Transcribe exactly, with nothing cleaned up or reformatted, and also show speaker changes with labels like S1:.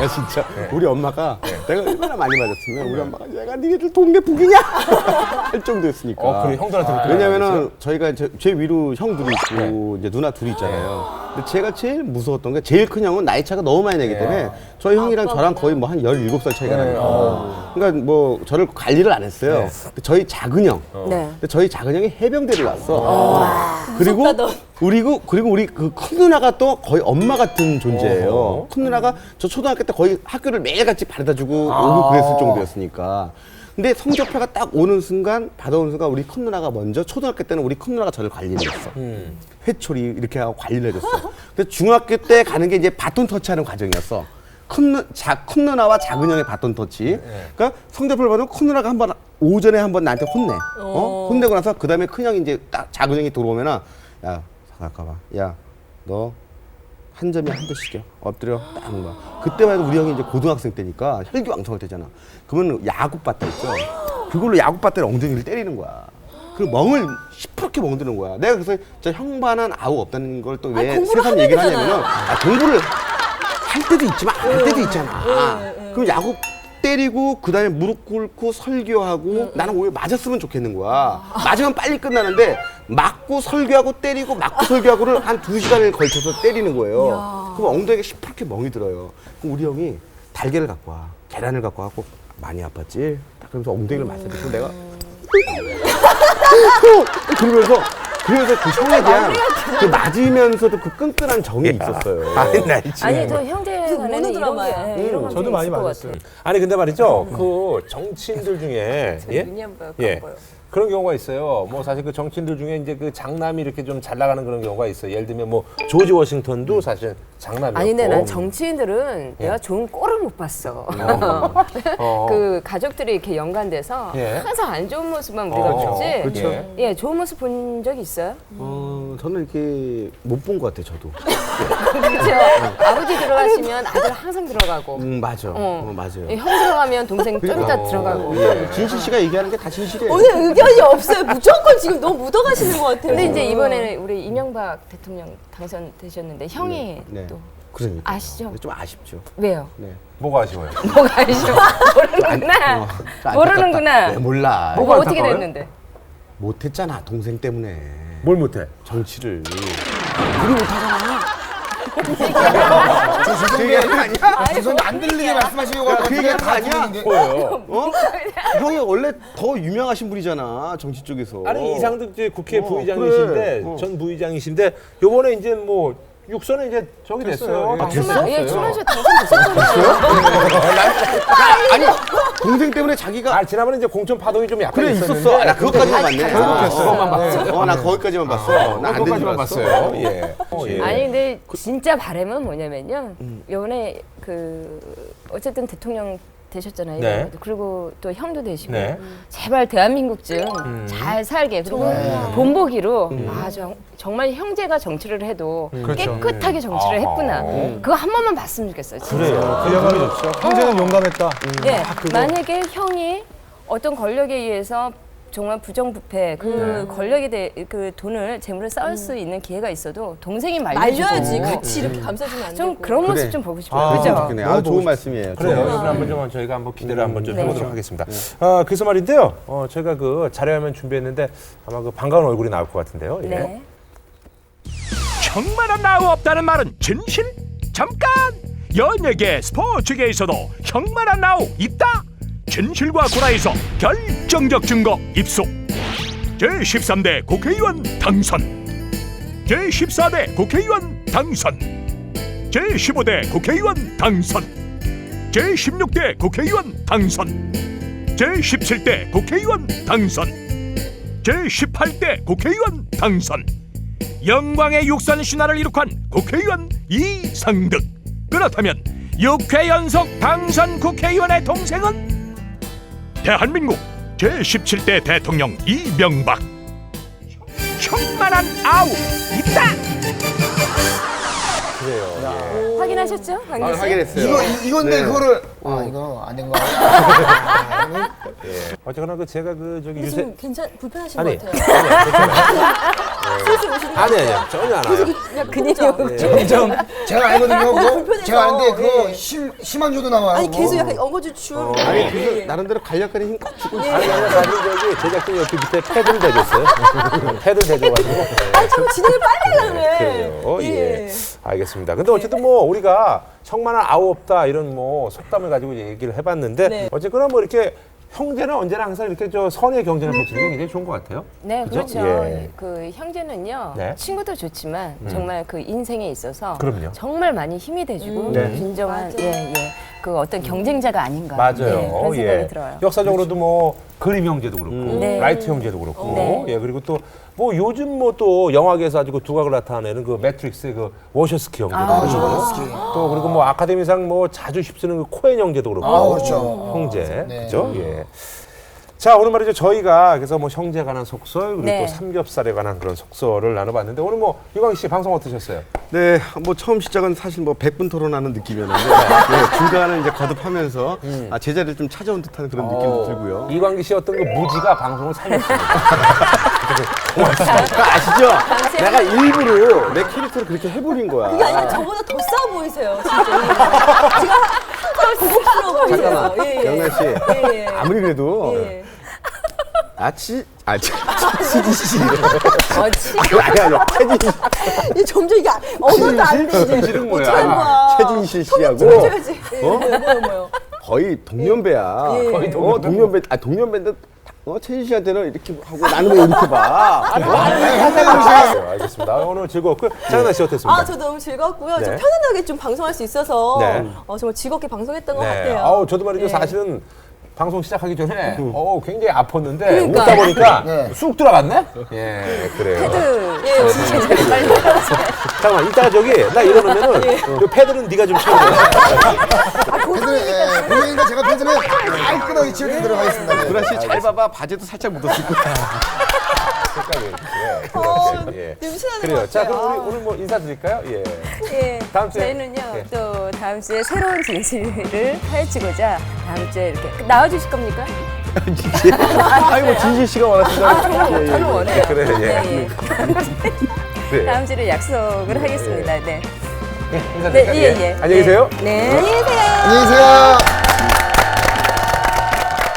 S1: 야, 진짜 우리 엄마가 내가 얼마나 많이 맞았으면 우리 엄마가 얘가 니네들 동네 북이냐 할 정도였으니까.
S2: 어, 그래 형들한테 그렇게
S1: 왜냐면은 저희가 제, 제 위로 형 둘이 있고 이제 누나 둘이 있잖아요. 근데 제가 제일 무서웠던 게 제일 큰 형은 나이 차가 너무 많이 나기 때문에 저희 형이랑 저랑 거의 뭐 한 열일곱 살 차이가 나요. 그러니까 뭐 저를 관리를 안 했어요. 근데 저희 작은 형.
S3: 네.
S1: 근데 저희 작은 형이 해병대를 왔어. 그리고 그리고 그리고 우리 그 큰 누나가 또 거의 엄마 같은 존재예요.
S2: 어허.
S1: 큰 누나가 저 초등학교 때 거의 학교를 매일같이 바래다주고 오고 그랬을 정도였으니까. 근데 성적표가 딱 오는 순간 받아오는 순간 우리 큰 누나가 먼저 초등학교 때는 우리 큰 누나가 저를 관리를 했어.
S2: 음.
S1: 회초리 이렇게 하고 관리를 해줬어. 근데 중학교 때 가는 게 이제 바톤 터치하는 과정이었어. 큰, 누, 자, 큰 누나와 작은 형의 바톤 터치. 그러니까 성적표를 받으면 큰 누나가 한 번 오전에 한 번 나한테 혼내. 어? 혼내고 나서 그 다음에 큰 형이 이제 딱 작은 형이 들어오면은 야 잠깐만, 야 너 한 점에 한 대씩이야. 엎드려 딱 하는 거야. 그때만 해도 우리 형이 이제 고등학생 때니까 혈기왕성할 때잖아. 그러면 야구바따 있죠. 그걸로 야구바따를 엉덩이를 때리는 거야. 그 멍을 시퍼렇게 멍드는 거야. 내가 그래서 저 형반은 아우 없다는 걸 또 왜 세상 얘기를 하냐면은 아, 공부를 할 때도 있지만 안 할 때도 있잖아. 그럼 야구 때리고 그 다음에 무릎 꿇고 설교하고 나는 오히려 맞았으면 좋겠는 거야. 맞으면 빨리 끝나는데 맞고 설교하고 때리고 맞고 설교하고를 한 두 시간을 걸쳐서 때리는 거예요. 그럼 엉덩이가 시퍼렇게 멍이 들어요. 그럼 우리 형이 달걀을 갖고 와. 계란을 갖고 와갖고 많이 아팠지? 딱 그러면서 엉덩이를 맞춰주고 내가 그러면서 그래서 그 형에 대한 그 맞으면서도 그 끈끈한 정이 있었어요.
S2: 아니 나 있지.
S3: 아니 저 형제 간에는
S4: 모노
S3: 이런 게
S4: 드라마야.
S3: 예, 이런
S5: 저도 많이
S3: 있을 것
S5: 맞았어요.
S3: 같아요.
S2: 아니 근데 말이죠. 그 정치인들 중에 예?
S4: 눈이 안 보여,
S2: 예.
S4: 안 보여.
S2: 그런 경우가 있어요. 뭐 사실 그 정치인들 중에 이제 그 장남이 이렇게 좀 잘 나가는 그런 경우가 있어요. 예를 들면 뭐 조지 워싱턴도 사실 장남이었고.
S3: 아니 근데 난 정치인들은 내가 좋은 꼴을 못 봤어.
S2: 어.
S3: 그 가족들이 이렇게 연관돼서
S2: 예.
S3: 항상 안 좋은 모습만 우리가
S2: 어,
S3: 봤지.
S1: 그렇죠.
S2: 예.
S3: 예, 좋은 모습 본 적 있어요?
S1: 어, 저는 이렇게 못 본 것 같아요, 저도.
S3: 그렇죠. 아버지 들어가시면 아들 항상 들어가고,
S1: 음, 맞아.
S3: 어.
S1: 어, 맞아요.
S3: 예, 형 들어가면 동생 좀 이따
S1: 어,
S3: 들어가고.
S1: 예. 진실 씨가 얘기하는 게 다 진실이에요.
S4: 오늘 의견이 없어요. 무조건 지금 너무 묻어가시는 것 같아요.
S3: 근데 이제 이번에는 우리 이명박 대통령 당선되셨는데 형이
S1: 네.
S3: 또
S1: 그러니까.
S3: 아시죠?
S1: 좀 아쉽죠.
S3: 왜요?
S1: 네.
S2: 뭐가 아쉬워요?
S3: 뭐가 아시죠? 모르는구나.
S1: 어, 좀
S3: 모르는구나.
S1: 안타깝다. 네, 몰라.
S3: 뭐가 어떻게
S2: 안타까워요?
S3: 됐는데?
S1: 못했잖아, 동생 때문에.
S2: 뭘 못해?
S1: 정치를. 우리 못하잖아.
S5: 그 얘기 아니야? 죄송한데 안 들리게 말씀하시려고 하는
S1: 그 얘기가 다 아니야?
S2: 뭐예요?
S1: 어? 형이 원래 더 유명하신 분이잖아, 정치 쪽에서.
S2: 아니 이상득 이제 국회
S1: 어,
S2: 부의장이신데
S1: 그래. 어.
S2: 전 부의장이신데 요번에 이제 뭐 육선은 이제 저기 됐어요.
S5: 됐어요. 예.
S2: 아,
S1: 됐어?
S3: 예, 출연료 당선되셨잖아요.
S1: 아니, 동생 때문에 자기가.
S2: 아 지난번에 이제 공천 파동이 좀 약간
S1: 그래,
S2: 있었는데
S1: 있었어. 아, 나 그것까지만 봤네.
S2: 그것만 봤어.
S1: 어, 나 거기까지만 봤어. 나 안 된 줄
S2: 그것까지만
S1: 알았어.
S2: 봤어요. 예. 어, 예.
S3: 아니 근데 진짜 바람은 뭐냐면요. 이번에 그 어쨌든 대통령 되셨잖아요.
S2: 네.
S3: 그리고 또 형도 되시고
S2: 네.
S3: 제발 대한민국 좀 잘 살게 그리고 본보기로 아 정, 정말 형제가 정치를 해도
S5: 그렇죠.
S3: 깨끗하게 정치를
S2: 아하.
S3: 했구나. 그거 한 번만 봤으면 좋겠어요. 진짜.
S2: 그래요.
S5: 그야말로 형제는 용감했다.
S3: 예, 만약에 형이 어떤 권력에 의해서 정말 부정부패 그 권력에 대해 그 돈을 재물을 쌓을 수 있는 기회가 있어도 동생이 말려주고
S4: 말려야지. 같이 이렇게 감싸주면 안
S3: 좀
S4: 되고.
S3: 그런 모습
S1: 그래.
S3: 좀 보고 싶어요.
S1: 아,
S3: 그죠?
S1: 좋겠네. 아, 좋은 말씀이에요.
S2: 그래요.
S1: 좋은
S2: 이번에 한번 좀 저희가 한번 기대를 한번 좀
S3: 네.
S2: 해보도록 하겠습니다. 아, 그래서 말인데요. 어, 저희가 그 자료화면 준비했는데 아마 그 반가운 얼굴이 나올 것 같은데요. 예.
S3: 네.
S6: 형만한 나우 없다는 말은 진실? 잠깐! 연예계, 스포츠계에서도 형만한 나우 있다? 진실과 구라에서 결정적 증거 입수. 제십삼 대 국회의원 당선, 제십사 대 국회의원 당선, 제십오 대 국회의원 당선, 제십육 대 국회의원 당선, 제십칠 대 국회의원 당선, 제십팔 대 국회의원 당선. 영광의 육선 신화를 이룩한 국회의원 이상득. 그렇다면 육 회 연속 당선 국회의원의 동생은 대한민국 제십칠 대 대통령 이명박. 형만한 아우 있다.
S2: 그래요.
S3: 확인하셨죠?
S1: 아,
S3: 강기 씨?
S1: 확인했어요.
S5: 이거 이- 이건데
S1: 네.
S5: 그거를 아 이거 아닌 거 같아.
S2: 예. 어쨌거나 그 제가 그 저기
S4: 근데
S2: 유세
S4: 지금 괜찮 불편하신
S2: 아니
S4: 것 같아요.
S2: 아니 괜찮아요.
S4: 슬슬 오시는 것
S2: 아니
S4: 같아요.
S2: 아니 전혀 안 와요.
S4: 그냥 근육이
S5: 점점 제가 알거든요. 그거
S4: 불편해서.
S5: 제가 아는데 그거
S4: 예.
S5: 심 심한 조도 나와요.
S4: 아니 계속
S5: 그거.
S4: 약간 엉거주 춤.
S1: 아니 그래서 나름대로 간략하게 힘 주고
S2: 아니 아니 사실 저기 제작진이 옆에 밑에 패드를 대줬어요. 패드를 대줘가지고.
S4: 아니 자꾸 진행을 빨리 하려면.
S2: 그래요. 예. 알겠습니다. 근데 어쨌든 뭐 우리가 형만한 아우 없다 이런 뭐 속담을 가지고 얘기를 해봤는데
S4: 네.
S2: 어쨌거나 뭐 이렇게 형제는 언제나 항상 이렇게 저 선의 경쟁을 펼치는 게 굉장히 좋은 것 같아요.
S3: 네,
S2: 그죠?
S3: 그렇죠.
S2: 예.
S3: 그 형제는요,
S2: 네.
S3: 친구도 좋지만 정말 그 인생에 있어서
S2: 그럼요.
S3: 정말 많이 힘이 돼주고
S2: 네.
S3: 진정한
S4: 맞아요.
S3: 예, 예. 그 어떤 경쟁자가 아닌가.
S2: 맞아요.
S3: 네, 그런 생각이
S2: 예.
S3: 들어요.
S2: 역사적으로도 뭐 그림 형제도 그렇고
S3: 네.
S2: 라이트 형제도 그렇고
S3: 네.
S2: 예 그리고 또 뭐 요즘 뭐 또 영화계에서 아주 그 두각을 나타내는 그 매트릭스의 그 워셔스키 형제도
S3: 아,
S2: 그렇고 또 그리고 뭐 아카데미상 뭐 자주 휩쓰는 그 코엔 형제도 그렇고
S5: 아, 그렇죠.
S2: 형제
S5: 네.
S2: 그죠 예. 자 오늘 말이죠 저희가 그래서 뭐 형제에 관한 속설 그리고
S3: 네.
S2: 또 삼겹살에 관한 그런 속설을 나눠봤는데 오늘 뭐 유광희 씨 방송 어떠셨어요?
S1: 네, 뭐 처음 시작은 사실 뭐 백 분 토론하는 느낌이었는데 네, 중간에 이제 거듭하면서 아, 제자리를 좀 찾아온 듯한 그런 느낌도 들고요.
S2: 이광기 씨 어떤 그 무지가 방송을 살렸습니다.
S1: 그거 아시죠? 내가 일부러 내 캐릭터를 그렇게 해버린
S4: 그게
S1: 거야.
S4: 아니라 저보다 더 싸워 보이세요, 진짜. 제가 항상 고급스러워 보이세요.
S1: 잠깐만,
S4: 예, 예.
S1: 영란 씨.
S4: 예, 예.
S1: 아무리 그래도
S4: 예.
S1: 아치 아 치- 치지 씨.
S3: 어, 치-
S1: 아니 아니 아니 채진
S4: 이 점점 이게 언어도 안 돼. 이제.
S2: 실은 뭐야?
S4: 어떡하는 거야.
S1: 채진 씨하고
S4: 해줘야지. 예, 뭐요, 뭐요, 뭐요.
S1: 거의 동년배야.
S4: 예.
S1: 거의 동년배. 어, 동년배. 아 동년배인데 어, 채진 씨한테는 이렇게 하고 나는 왜 이렇게 봐?
S2: 네, 알겠습니다. 아, 오늘 즐거웠고요. 장은아 씨 어땠습니까?
S4: 아, 저 너무 즐거웠고요.
S2: 네.
S4: 좀 편안하게 좀 방송할 수 있어서
S2: 네.
S4: 어, 정말 즐겁게 방송했던 것
S2: 네.
S4: 같아요.
S2: 아우 저도 말이죠.
S4: 네.
S2: 사실은 방송 시작하기 전에 어 굉장히 아팠는데
S3: 그러니까.
S2: 웃다 보니까
S5: 네.
S2: 쑥 들어갔네. 예, 그래요.
S3: 패드
S4: 예,
S3: 제자리 빨리
S2: 잠깐만 이따가 저기 나 이러면은
S4: 예.
S2: 그 패드는 네가 좀 채워.
S5: 팬들, 예, 고객님과 제가 팬들은 깔끔하게 치워드리도록 하겠습니다. 네.
S1: 구라 씨 잘 봐봐. 바지도 살짝 묻었을 거야.
S2: 색깔이 예,
S4: 어,
S2: 그렇게. 예.
S4: 냄새나는
S2: 그래요.
S4: 것
S2: 자,
S4: 같아요.
S2: 그럼 우리 오늘 뭐 인사드릴까요? 예.
S3: 예,
S2: 다음 주에.
S3: 저희는요
S2: 예.
S3: 또 다음 주에 새로운 진실을 파헤치고자 다음 주에 이렇게 나와주실 겁니까?
S1: 아니 뭐 진실 씨가 원하신다.
S3: 아, 저는, 저는 원해요.
S2: 그래, 예.
S3: 네,
S2: 그래.
S3: 다음 주에 약속을 하겠습니다. 네.
S2: 예, 인사드릴까요?
S3: 네, 예, 예.
S2: 안녕히 계세요.
S3: 네.
S4: 안녕히 계세요.
S5: 안녕히 계세요.